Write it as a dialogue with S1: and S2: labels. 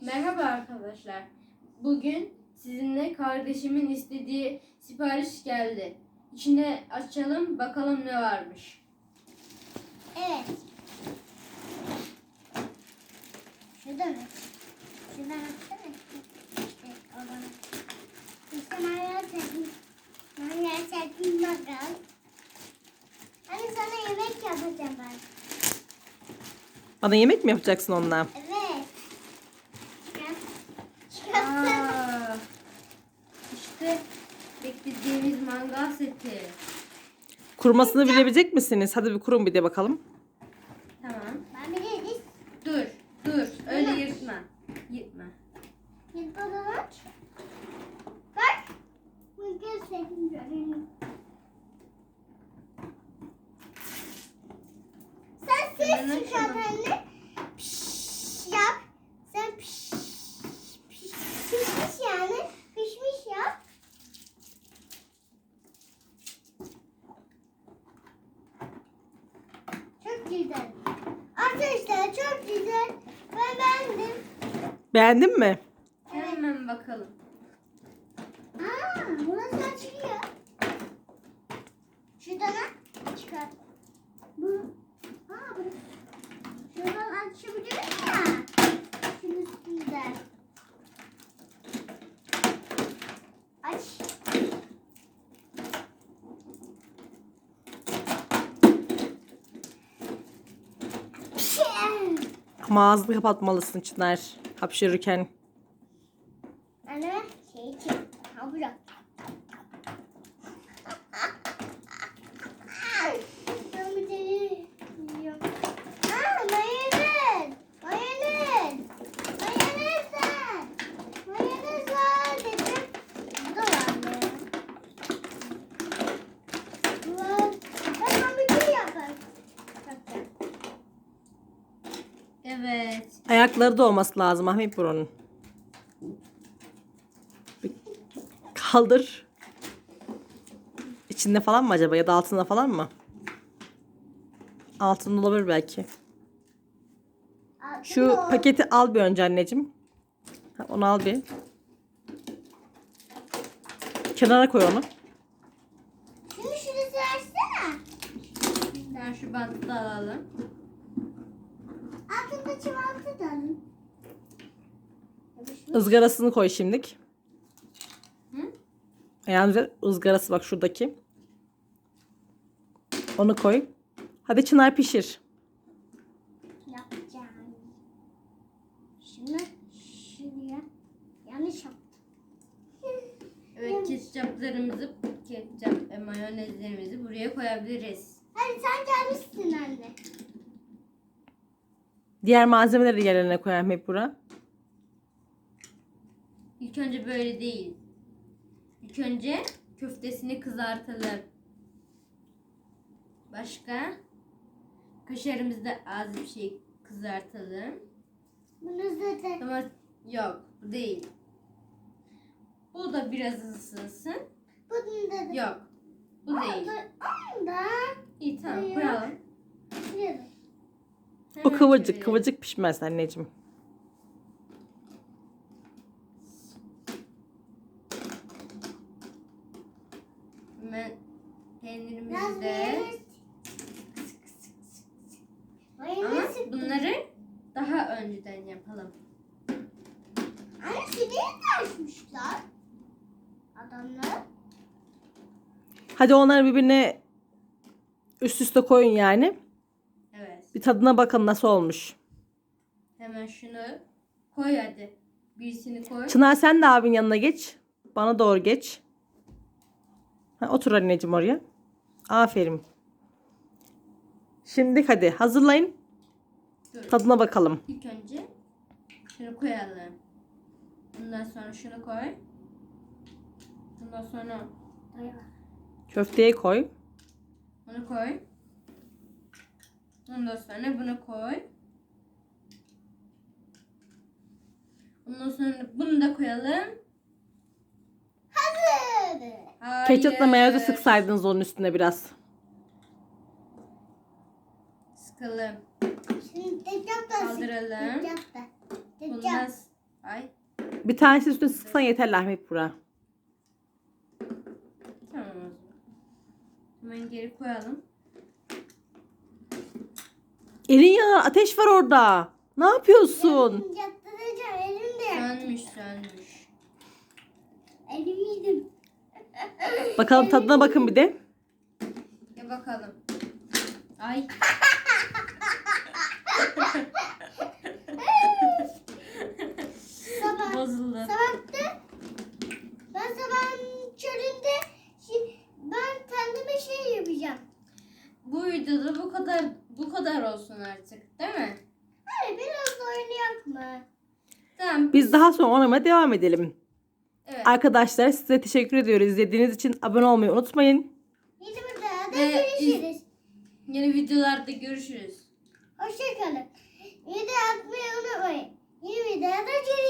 S1: Merhaba arkadaşlar. Bugün sizinle kardeşimin istediği sipariş geldi. İçine açalım bakalım ne varmış.
S2: Evet. Şurada mı? Şuradan açsana. Evet, oradan. İşte ben gerçekten bakalım. Hani sana yemek yapacağım ben.
S3: Bana yemek mi yapacaksın onunla?
S2: Evet. Çıkartsana.
S1: Aa, işte beklediğimiz mangal seti.
S3: Kurmasını bilebilecek misiniz? Hadi bir kurun bir de bakalım.
S1: Tamam.
S2: Ben biliriz.
S1: Dur. Öyle yırtma. Yırtma.
S2: Git bakalım aç. Bak. Bu göstereyim göreyim. Sen
S1: Hemen
S2: ses çıkart
S1: açalım.
S2: anne. Piş yap. Sen pişmiş yani. Pişmiş yap. Çok güzel. Arkadaşlar çok güzel. Ben beğendim.
S3: Beğendin mi?
S1: Hemen bakalım.
S2: Burası açılıyor. Şuradan çıkar. Bu. Burası. Şuradan açabiliyoruz ya. Şunun üstünde. Aç.
S3: Ama ağzını kapatmalısın Çınar. Hapşırırken.
S2: Anne şey için. Bırak. Ben bir de yiyorum. Mayonez. Mayonez. Mayonez var. Mayonez var dedim. Bu da var mı? Bu var. Ben hamburger yaparım.
S1: Evet.
S3: Ayakları da olması lazım Ahmet Buran'ın. Bir kaldır. İçinde falan mı acaba ya da altında falan mı? Altında olabilir belki. Şu paketi al bir önce anneciğim. Onu al bir. Kenara koy onu.
S2: Şimdi şurası açsana.
S1: Ben şu bantı da alalım.
S2: Altında çikolata da alın.
S3: Izgarasını koy şimdilik.
S1: Hı?
S3: Yani ızgarası bak şuradaki. Onu koy. Hadi Çınar pişir.
S2: Yapacağım. Şimdi şuraya yanlış yaptım.
S1: Evet, ketçap, mayonezlerimizi buraya koyabiliriz.
S2: Hadi sen gelmişsin anne.
S3: Diğer malzemeleri yerine koy Ahmet Burak.
S1: İlk önce böyle değil. İlk önce köftesini kızartalım. Başka? Kaşarımızı da az bir şey kızartalım.
S2: Bunu zaten
S1: Ama yok, bu değil. Bu da biraz ısınsın.
S2: bunu da
S1: Yok, bu değil.
S2: Onu da
S1: İyi, tamam,
S2: Buraya.
S1: koyalım.
S2: şuraya da.
S3: O
S1: Hemen
S3: kıvırcık
S1: çevirelim.
S3: kıvırcık pişmez anneciğim.
S1: Hemen
S2: Biraz
S1: peynirimizi de.
S2: mayonez.
S1: Ama
S2: Mayonez.
S1: bunları daha önceden yapalım.
S2: Anne şurayı da açmışlar. Adamlar.
S3: Hadi onları birbirine üst üste koyun yani.
S1: Evet.
S3: Bir tadına bakın nasıl olmuş.
S1: Hemen şunu koy hadi. Birisini koy.
S3: Çınar sen de abin yanına geç. Bana doğru geç. Otur anneciğim oraya. Aferin. Şimdi hadi hazırlayın.
S1: Dur.
S3: Tadına bakalım.
S1: İlk önce şunu koyalım. Bundan sonra şunu koy. Bundan sonra
S3: Köfteyi koy.
S1: bunu koy. Ondan sonra bunu koy. Ondan sonra bunu da koyalım.
S2: Hazır.
S1: Hayır.
S3: Ketçapla mayonezi sıksaydınız onun üstüne biraz.
S1: Sıkalım.
S2: Şimdi ketçap da
S1: Kaldıralım.
S2: Ketçap da.
S1: Bundan Ay.
S3: Bir tanesi üstüne sıksan yeter Ahmet Burak.
S1: Tamam o zaman. Hemen geri koyalım.
S3: Elin yanar, ateş var orada. Ne yapıyorsun?
S2: Yattıracağım elimde.
S1: Sönmüş.
S2: Elimi yedim.
S3: Bakalım tadına bakın bir de.
S1: Ya bakalım. Ay.
S2: Sabah.
S1: Bozuldu.
S2: Sabahta ben sabahın köründe ben kendime şey yapacağım.
S1: Bu videoda bu kadar olsun artık, değil mi?
S2: Hadi biraz da oynayak mı?
S1: Tamam.
S3: Biz daha sonra oynamaya devam edelim.
S1: Evet.
S3: Arkadaşlar size teşekkür ediyoruz. İzlediğiniz için abone olmayı unutmayın.
S2: Yeni bir daha da
S1: Ve
S2: görüşürüz.
S1: Yeni videolarda görüşürüz.
S2: Hoşçakalın. Video atmayı unutmayın. Yeni videoda görüşürüz.